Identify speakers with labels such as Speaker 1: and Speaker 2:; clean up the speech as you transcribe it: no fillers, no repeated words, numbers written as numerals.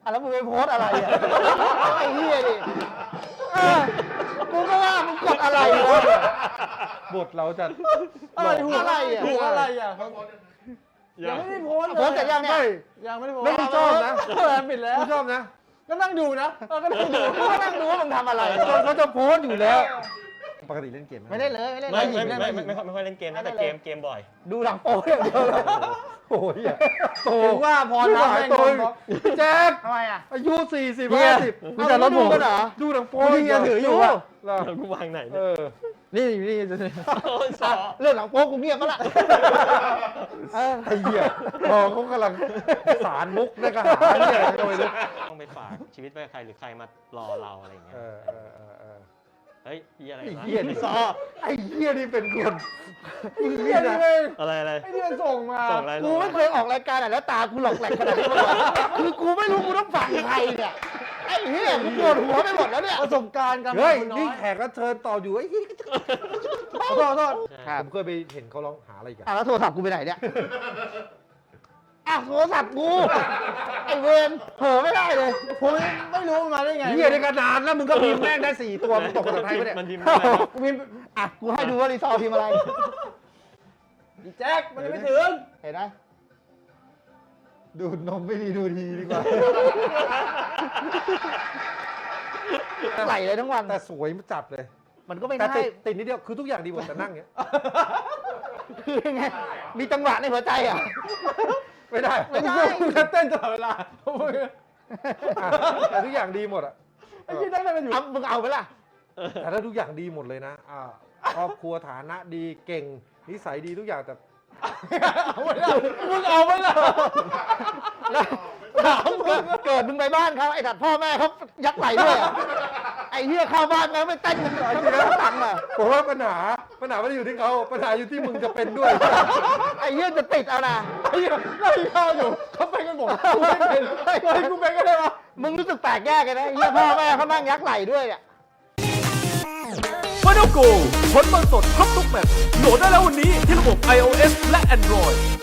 Speaker 1: แล้วมึงไปโพสอะไรอ่ะไอ้เหี้ยดิกูก็ว่ามึงกดอะไรวะ
Speaker 2: บทเราจะ
Speaker 1: อะไรถูกอะไรอ่ะ
Speaker 3: ถูกอะไรอ่ะ
Speaker 4: ยั
Speaker 3: ยัง
Speaker 4: ง
Speaker 3: ไม่ได้โพสต์
Speaker 1: โพสต์เสร็จยังเนี่ย
Speaker 3: ยังไม่ได้โพส
Speaker 2: ไม่
Speaker 3: ต์
Speaker 2: กูชอบนะ
Speaker 3: ปิดแล้ว
Speaker 2: กูชอบนะ
Speaker 3: ก็นั่งดูนะก็นั่งดู
Speaker 1: กูก็นั่งดูว่ามึงทำอะไร
Speaker 2: เขาจะโพสต์อยู่แล้ว ปกติเล่นเกมไหม
Speaker 1: ไม่ได้เลยไม่ได้เล
Speaker 4: ไม่
Speaker 1: ย
Speaker 4: ไม่ค่อยเล่นเกมนะแต่เกมบ่อย
Speaker 1: ดูหลังโป๊อย่างเดียวเลย
Speaker 2: โอ้ยโต
Speaker 3: ถึงว่าพอนับ
Speaker 2: หาย
Speaker 3: แม่ง
Speaker 2: โต
Speaker 3: โดนบล็อก
Speaker 2: แจ๊ค
Speaker 1: ทำไมอ่ะ
Speaker 2: อายุ40
Speaker 3: เฮีย
Speaker 2: 50
Speaker 3: มีแต่รถผม
Speaker 1: ดูกันเหรอ
Speaker 2: ดูหนังโป๊
Speaker 3: นี่ยังถืออยู่อะ
Speaker 2: เหรอ
Speaker 4: แล้วกูวางไหน
Speaker 2: เอ
Speaker 4: เนี่ย
Speaker 2: อ
Speaker 3: นี่
Speaker 4: โอ้ยสอ
Speaker 1: เรื่องหลังโป๊กูเงียบก็ละ
Speaker 2: ไอ้เหี้ยพอเขากำลังสารมุกในกระหาเนี่ยโดยเลย
Speaker 4: ต้องไปฝากชีวิตไว้กับใครหรือใครมารอเราอะไรอย่างเงี้ย
Speaker 2: เออ
Speaker 4: เฮ้ยเหี้ยอะไร
Speaker 2: ไอ้
Speaker 4: วะ
Speaker 2: เหี้ยนี่
Speaker 4: ซอ
Speaker 2: ไอ้เหี้ยนี่เป็นคนมึง
Speaker 3: เฮี
Speaker 2: นี่
Speaker 3: ยนี่
Speaker 2: นะ
Speaker 3: เลย
Speaker 4: อะไร
Speaker 3: ไอ้นี่มันส่งมา
Speaker 4: ส่งอะไร
Speaker 1: กูไม่เคยออกรายการไหนแล้วตากูหลอกแหลกขนาดนี้มาก่อนคือกูไม่รู้กูต้องฟังใครเนี่ยไอ้เหี้ยกูปวดหัวไปหมดแล้วเนี่ย
Speaker 3: ประสบการณ์การ
Speaker 2: เฮ้ย
Speaker 3: คุณน้อ
Speaker 2: นี่
Speaker 3: ย
Speaker 2: แขกรับเชิญต่ออยู่ไอ้เหี้ย
Speaker 3: ขอโทษขอโทษ
Speaker 1: ครับ
Speaker 2: ผมเคยไปเห็นเขาร้องหาอะไรกัน
Speaker 1: แล้วโทรศัพท์กูไปไหนเนี่ยอ้าวโทรศัพท์กูไอ้เวรเผลอไม่ได้เลย
Speaker 3: ผมไม่รู้มันมาได้ไง
Speaker 2: เหี้ยในกระดานแล้วมึงก็พิมพ์แม่งได้4 ตัวมึงตกภาษาไทยปะเนี่ย
Speaker 4: มันพิมพ์อะไรวะ
Speaker 3: กูพิมพ์
Speaker 1: อ่ะกูให้ดูว่ารีซอร์พิมพ์อะไร
Speaker 3: อีแจ็คมันยังไม่ถึง
Speaker 1: เห็นไหม
Speaker 2: ดูดนมไม่ดีดูดีดีกว่า
Speaker 1: ใส่เลยทั้งวัน
Speaker 2: แต่สวยจัดเลย
Speaker 1: มันก็ไม่
Speaker 2: แต่
Speaker 1: ได้
Speaker 2: ติดนิดเดียวคือทุกอย่างดีหมดแต่นั่งเงี้ย
Speaker 1: คือยังไงมีจังหวะในหัวใจอ่ะ
Speaker 2: ไม่ได้
Speaker 1: ไม่ได้
Speaker 3: กูจะเต้นตลอดเวลา
Speaker 2: อ่ะแต่ทุกอย่างดีหมดอ่ะ
Speaker 3: ไอ้ที่นั่งกันอยู่
Speaker 1: เอามึงเอาไปล่ะ
Speaker 2: แต่ถ้าทุกอย่างดีหมดเลยนะครอบครัวฐานะดีเก่งนิสัยดีทุกอย่างแต่
Speaker 3: เอาไม่ได้มึงเอาไม่ได้
Speaker 1: แล้วเกิดมึงไปบ้านเขาไอ้ถัดพ่อแม่เขายักไหลด้วยอะไอ้เหี้ยเข้าบ้านแล้วไม่เต้นกันทั้งตังค์อ่ะ
Speaker 2: ผมว่าปัญหาไม่ได้อยู่ที่เขาปัญหาอยู่ที่มึงจะเป็นด้วย
Speaker 1: ไอ้เหี้ยจะติดเอานะ
Speaker 3: ไอ้เหี้ยนั่งข้าวอยู่เขาไปกันหมดกูไม่เป็นเฮ้ยกูเป็นก็ได้วะ
Speaker 1: มึงรู้สึกแปลกแยกกันนะไอ้เหี้ยพ่อแม่เขานั่งยักไหลด้วยอ่ะ
Speaker 5: Final Go ผลบอลสดครบทุกแมตช์โหลดได้แล้ววันนี้ที่ระบบ iOS และ Android